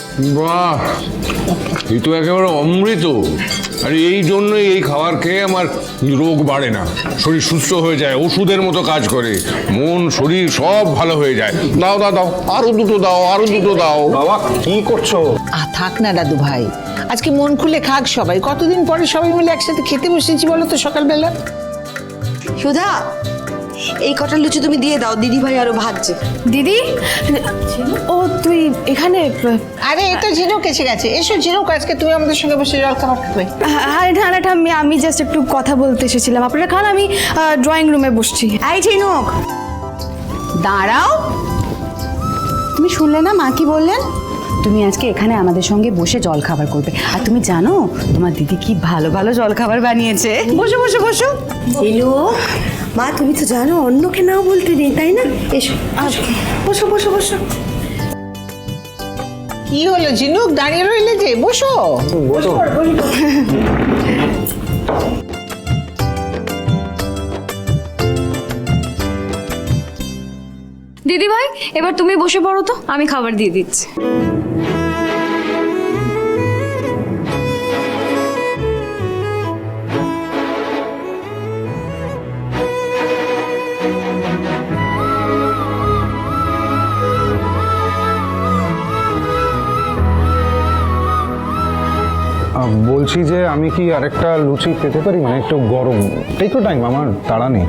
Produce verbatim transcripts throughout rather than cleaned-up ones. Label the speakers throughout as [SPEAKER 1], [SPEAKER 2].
[SPEAKER 1] বাহ, এই তো একেবারে অমৃত। আর এই জন্যই এই খাবার খেয়ে আমার রোগ বাড়ে না, শরীর সুস্থ হয়ে যায়, ওষুধের মতো কাজ করে, মন শরীর সব ভালো হয়ে যায়। দাও দাও দাও, আরো দুটো দাও, আরো দুটো দাও।
[SPEAKER 2] বাবা কি করছো?
[SPEAKER 3] আ থাক না দাদু ভাই, আজকে মন খুলে খাক সবাই। কতদিন পরে সবাই মিলে একসাথে খেতে বসেছি বলো তো সকালবেলা।
[SPEAKER 4] সুধা, এই কটা লুচি তুমি দিয়ে দাও, দিদি ভাই আরো ভাজছে।
[SPEAKER 5] দিদি, ও তুই এখানে?
[SPEAKER 3] আরে এটা ঝিনুক এসে গেছে। এসো ঝিনুক, আজকে তুমি আমাদের সঙ্গে বসে জল খাবার খাবে।
[SPEAKER 5] আরে না না, আমি আমি জাস্ট একটু কথা বলতে এসেছিলাম। আপনারা খান, আমি ড্রয়িং রুমে বসছি।
[SPEAKER 4] এই ঝিনুক,
[SPEAKER 6] দাঁড়াও। তুমি শুনলে না মা কি বললেন? তুমি আজকে এখানে আমাদের সঙ্গে বসে জল খাবার করবে। আর তুমি জানো তোমার দিদি কি ভালো ভালো জল খাবার বানিয়েছে। বসো বসো বসো।
[SPEAKER 4] ঝিনুক মা, তুমি তো জানো অন্যকে নাও বলতে নেই, তাই না? এসো বসো বসো বসো।
[SPEAKER 3] কি হলো ঝিনুক, দাঁড়িয়ে রইলে যে? বসো
[SPEAKER 2] বসো।
[SPEAKER 5] দিদি ভাই, এবার তুমি বসে পড়ো তো, আমি খাবার দিয়ে দিচ্ছি।
[SPEAKER 2] বলছি যে আমি কি আরেকটা লুচি পেতে পারি, মানে একটু গরম? একটু টাইম, আমার তাড়া নেই।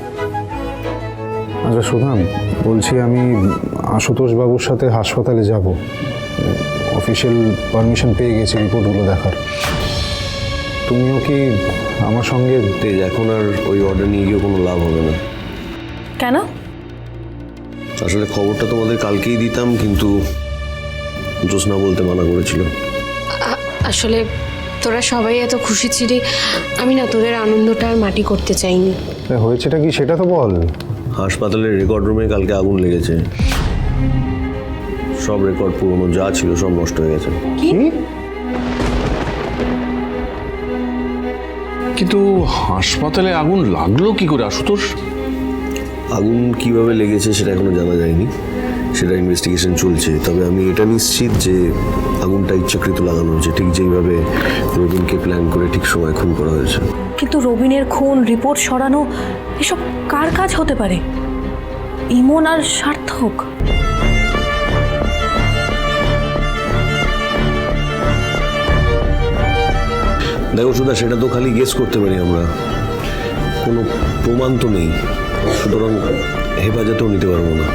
[SPEAKER 2] আচ্ছা সুধাম, বলছি আমি আশুতোষ বাবুর সাথে হাসপাতালে যাব, অফিসিয়াল পারমিশন পেয়ে গেছি রিপোর্টগুলো দেখার। তুমিও কি আমার সঙ্গে?
[SPEAKER 7] তেজ, এখন আর ওই অর্ডার নিয়ে গিয়ে কোনো লাভ হবে না।
[SPEAKER 5] কেন?
[SPEAKER 7] আসলে খবরটা তোমাদের কালকেই দিতাম, কিন্তু জ্যোৎস্না বলতে মানা করেছিল।
[SPEAKER 8] আসলে তোরা সবাই এত খুশি ছিলি, আমি না তোদের আনন্দটা আর মাটি করতে চাইনি।
[SPEAKER 2] হয়েছেটা কি সেটা তো বল।
[SPEAKER 7] হাসপাতালের রেকর্ড রুমে কালকে আগুন লেগেছে, সব রেকর্ড পুরনো যা ছিল সব নষ্ট হয়ে গেছে।
[SPEAKER 2] কি?
[SPEAKER 1] কিন্তু হাসপাতালে আগুন লাগলো কি করে আশুতোষ?
[SPEAKER 7] আগুন কিভাবে লেগেছে সেটা এখনো জানা যায়নি, সেটা ইনভেস্টিগেশন চলছে। তবে আমি এটা নিশ্চিত যে আগুনটা ইচ্ছাকৃত লাগানো হয়েছে, ঠিক যেইভাবে রবিনকে প্ল্যান করে ঠিক সময় খুন করা হয়েছে।
[SPEAKER 9] কিন্তু রবিনের খুন, রিপোর্ট সরানো, এসব কার কাজ হতে পারে? ইমন আর সার্থক?
[SPEAKER 7] দেখো সুধা, সেটা তো খালি গেস করতে পারি আমরা, কোনো প্রমাণ তো নেই, সুতরাং হেফাজতেও নিতে পারবো না।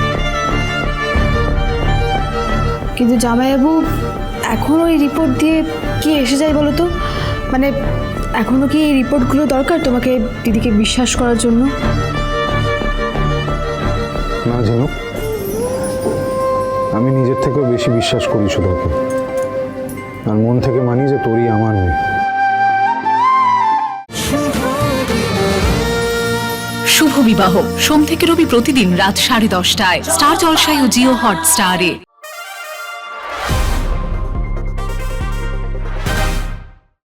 [SPEAKER 5] কিন্তু জামাইবাবু, এখন ওই রিপোর্ট দিয়ে কি এসে যায় বলো তো? মানে এখনো কি এই রিপোর্টগুলো দরকার তোমাকে দিদিকে বিশ্বাস করার জন্য?
[SPEAKER 2] না ঝিনুক, আমি নিজের থেকেও বেশি বিশ্বাস করি সুধাকে, আর মন থেকে মানি যে তোরই আমার মেয়ে।
[SPEAKER 10] শুভ বিবাহ সোম থেকে রবি প্রতিদিন রাত সাড়ে দশটায় স্টার জলসায় ও জিও হটস্টারে।